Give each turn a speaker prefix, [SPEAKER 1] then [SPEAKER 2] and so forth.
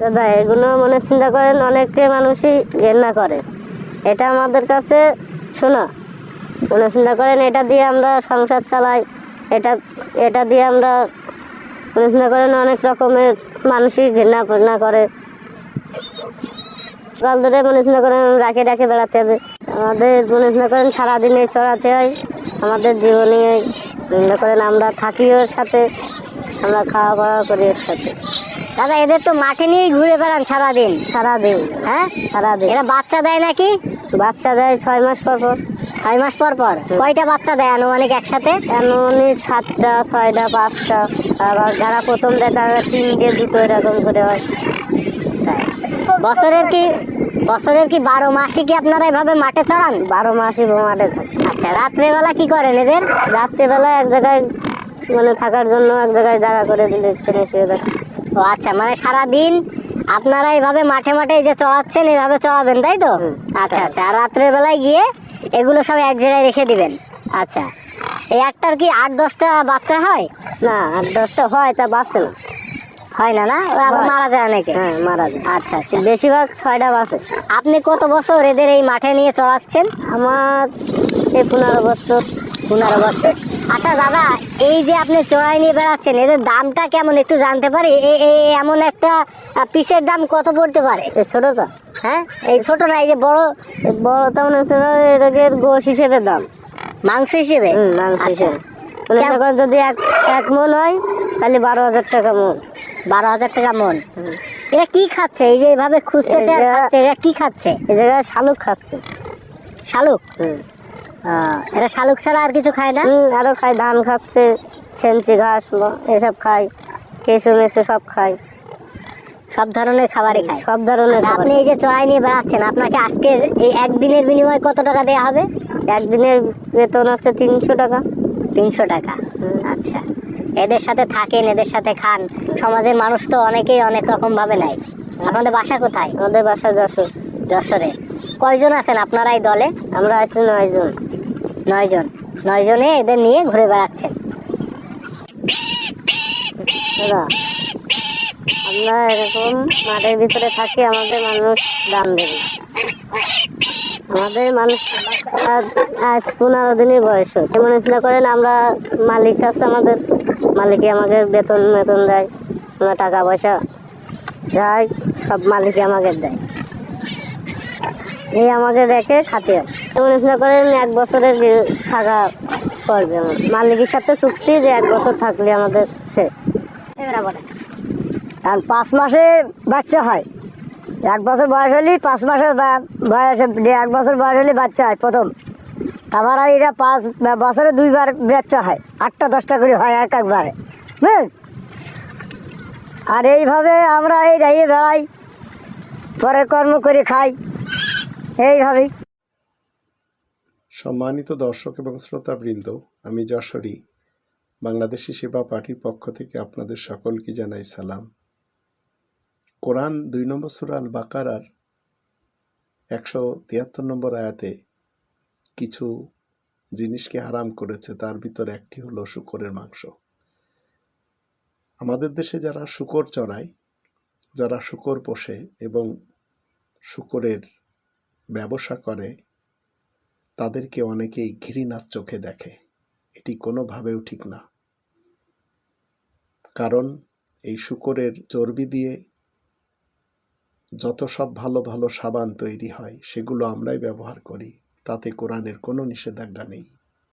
[SPEAKER 1] দাদা এগুলো মনে চিন্তা করেন অনেকে মানুষই ঘেন্না করে, এটা আমাদের কাছে শোনা মনে চিন্তা করেন এটা দিয়ে আমরা সংসার চালাই, এটা দিয়ে আমরা মনে চিন্তা করেন অনেক রকমের মানুষই ঘেন্না করে। সকাল ধরে মনে চিন্তা করেন রাখে বেড়াতে হবে, আমাদের মনে চিন্তা করেন সারাদিনে চড়াতে হয়, আমাদের জীবনে মনে করেন আমরা থাকি ওর সাথে, আমরা খাওয়া দাওয়া করি ওর সাথে।
[SPEAKER 2] দাদা এদের তো মাঠে নিয়েই ঘুরে বেড়ান সারাদিন।
[SPEAKER 1] হ্যাঁ সারাদিন।
[SPEAKER 2] এরা বাচ্চা দেয় নাকি?
[SPEAKER 1] বাচ্চা দেয় 6 মাস পর পর।
[SPEAKER 2] 6 মাস পর পর? কয়টা বাচ্চা দেয় আনুমানিক একসাথে?
[SPEAKER 1] আনুমানিক 7টা 6টা 5টা, আবার যারা প্রথম দেয় তারা 3টে 2টো এরকম করে হয়।
[SPEAKER 2] বছরের কি 12 মাসই কি আপনারা এভাবে মাঠে চড়ান?
[SPEAKER 1] 12 মাসই মাঠে থাকে।
[SPEAKER 2] আচ্ছা, রাত্রেবেলা কি করেন এদের?
[SPEAKER 1] রাত্রেবেলা এক জায়গায় মানে থাকার জন্য এক জায়গায় জায়গা করে দিলে শুয়ে থাকে।
[SPEAKER 2] ও আচ্ছা, মানে সারাদিন আপনারা এইভাবে মাঠে এই যে চড়াচ্ছেন এইভাবে চড়াবেন, তাই তো? আচ্ছা, আর রাত্রের বেলায় গিয়ে এগুলো সব এক জায়গায় রেখে দিবেন। আচ্ছা, এই একটার কি 8-10টা বাচ্চা হয়?
[SPEAKER 1] না, 8-10টা হয়, তা বাঁচে না।
[SPEAKER 2] হয় না? আবার মারা যায় অনেকে?
[SPEAKER 1] হ্যাঁ, মারা যায়।
[SPEAKER 2] আচ্ছা,
[SPEAKER 1] বেশিরভাগ 6টা বাঁচে।
[SPEAKER 2] আপনি কত বছর এদের এই মাঠে নিয়ে চড়াচ্ছেন?
[SPEAKER 1] আমার এই 15 বছর।
[SPEAKER 2] 15 বছর। আচ্ছা দাদা, এই যে আপনি চড়াই নিয়ে বেড়াচ্ছেন, এদের দামটা কেমন একটু জানতে পারি? এমন একটা পিসের দাম কত পড়তে পারে?
[SPEAKER 1] এই ছোটটা?
[SPEAKER 2] হ্যাঁ, এই ছোট না, এই যে বড়
[SPEAKER 1] তেমন এটাকে গোশ হিসেবে দাম,
[SPEAKER 2] মাংস হিসেবে।
[SPEAKER 1] মাংস হিসেবে যদি 1 মন হয় তাহলে 12,000 টাকা মন।
[SPEAKER 2] 12,000 টাকা মন। এরা কি খাচ্ছে? এই যে এইভাবে খুঁজতেছে খাচ্ছে, এরা কি খাচ্ছে?
[SPEAKER 1] এই জায়গায় শালুক খাচ্ছে।
[SPEAKER 2] শালুক? এরা শালুক ছাড়া আর কিছু খায় না?
[SPEAKER 1] আরো খায়, ধান খাচ্ছে, ছেঞ্চি ঘাস এসব খায়, কেঁচো মেচো সব খায়,
[SPEAKER 2] সব ধরনের খাবারই খায়।
[SPEAKER 1] সব ধরনের।
[SPEAKER 2] আপনি এই যে চড়াই নিয়ে বেড়াচ্ছেন, আপনাকে আজকের এই একদিনের বিনিময়ে কত টাকা দেওয়া হবে?
[SPEAKER 1] একদিনের বেতন হচ্ছে 300 টাকা।
[SPEAKER 2] 300 টাকা। আচ্ছা, এদের সাথে থাকেন, এদের সাথে খান। সমাজের মানুষ তো অনেকেই অনেক রকম ভাবে নেয়। আপনাদের বাসা কোথায়?
[SPEAKER 1] আমাদের বাসা যশোর।
[SPEAKER 2] যশোরে। কয়জন আছেন আপনারা এই দলে?
[SPEAKER 1] আমরা আছি 9 জন।
[SPEAKER 2] 9 জন। 9 জনে এদের নিয়ে ঘুরে বেড়াচ্ছেন।
[SPEAKER 1] দাদা আমরা এরকম মাঠের ভিতরে থাকি, আমাদের মানুষ দাম দেবে। আমাদের মানুষ আজ 15 দিনের বয়স। মনে চিন্তা করেন আমরা মালিক আছে, আমাদের মালিকে আমাদের বেতন দেয়, আমরা টাকা পয়সা যাই সব মালিকে আমাকে দেয়, এই আমাকে দেখে খাতে হয়। মনে চিন্তা করেন 1 বছরের থাকা করবে আমার মালিকের সাথে চুক্তি যে 1 বছর থাকলে আমাদের সে।
[SPEAKER 3] আর 5 মাসে বাচ্চা হয়। 1 বছর বয়স হলে 5 মাসের বয়সে 1 বছর বয়স হলে বাচ্চা হয় প্রথম। আবার এরা 5 বছরে 2বার বাচ্চা হয়, 8টা 10টা করে হয় একবারে, বুঝলেন? আর এইভাবে আমরা এই রাইয়ে বেড়াই, পরের কর্ম করে খাই এইভাবেই।
[SPEAKER 4] সম্মানিত দর্শক এবং শ্রোতাবৃন্দ, আমি যশোরী বাংলাদেশি সেবা পার্টির পক্ষ থেকে আপনাদের সকলকে জানাই সালাম। কোরআন 2 নম্বর সূরা আল বাকারার 173 নম্বর আয়াতে কিছু জিনিসকে হারাম করেছে, তার ভিতর একটি হলো শূকরের মাংস। আমাদের দেশে যারা শূকর চড়ায়, যারা শূকর পোষে এবং শূকরের ব্যবসা করে, তাদেরকে অনেকেই ঘৃণার চোখে দেখে। এটি কোনোভাবেও ঠিক না, কারণ এই শূকরের চর্বি দিয়ে যত সব ভালো ভালো সাবান তৈরি হয় সেগুলো আমরাই ব্যবহার করি, তাতে কোরআনের কোনো নিষেধাজ্ঞা নেই।